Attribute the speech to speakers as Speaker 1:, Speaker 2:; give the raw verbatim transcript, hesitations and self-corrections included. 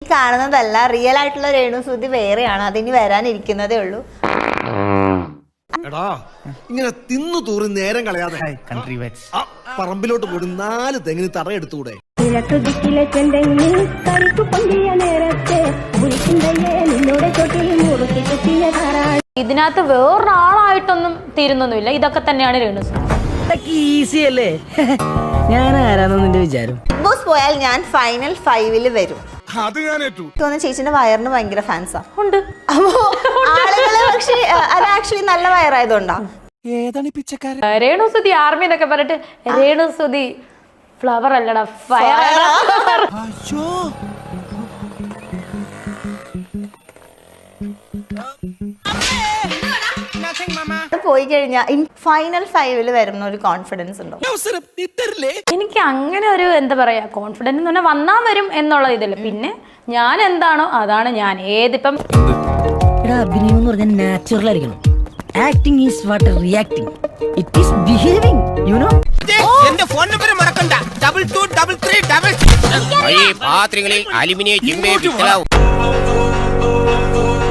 Speaker 1: കാണുന്നതല്ല, റിയൽ ആയിട്ടുള്ള രേണുസുതി വേറെയാണ്. അതിനി വരാനിരിക്കുന്നതേ ഉള്ളൂ.
Speaker 2: എടാ ഇങ്ങനെ തിന്നു തൂറി നേരം കളയാതെ പറമ്പിലോട്ട് പോയി നാല് തെങ്ങിന് തറ എടുത്തുകൂടെ?
Speaker 3: ഇതിനകത്ത് വേറൊരാളായിട്ടൊന്നും തീരുന്നൊന്നുമില്ല. ഇതൊക്കെ തന്നെയാണ് രേണുസുതി.
Speaker 4: ഈസി അല്ലേ? ഞാൻ ആരാണെന്ന് നിന്റെ വിചാരം?
Speaker 1: ബിഗ് ബോസ് പോയാൽ ഞാൻ ഫൈനൽ ഫൈവില് വരും.
Speaker 2: അത് ഞാൻ ഏറ്റു.
Speaker 1: ചേച്ചിന്റെ വയറിന് ഭയങ്കര ഫാൻസാ
Speaker 3: ഉണ്ട്.
Speaker 1: അപ്പോ ആളുകള് പക്ഷെ അത് ആക്ച്വലി നല്ല വയറായതുകൊണ്ടാ.
Speaker 3: രേണുസുതി ആർമി എന്നൊക്കെ പറഞ്ഞിട്ട് രേണുസുതി ഫ്ലവർ അല്ലടാ, ഫയർ.
Speaker 1: പോയി കഴിഞ്ഞാൽ ഫൈനൽ ഫൈവില് വരുന്ന ഒരു കോൺഫിഡൻസ് ഉണ്ടോ?
Speaker 3: എനിക്ക് അങ്ങനെ ഒരു എന്താ പറയാ കോൺഫിഡൻസ് എന്ന് പറഞ്ഞാൽ വന്നാ വരും എന്നുള്ള ഇതില്ല. പിന്നെ ഞാൻ എന്താണോ അതാണ് ഞാൻ. ഏതിപ്പം
Speaker 4: അഭിനയം എന്ന് പറഞ്ഞാൽ നാച്ചുറൽ ആയിരിക്കണം. Acting is what reacting. It is behaving, you know.
Speaker 5: എന്റെ ഫോൺ നമ്പർ മറക്കണ്ട. Double two double three double പാത്രങ്ങളിൽ അലുമിനിയം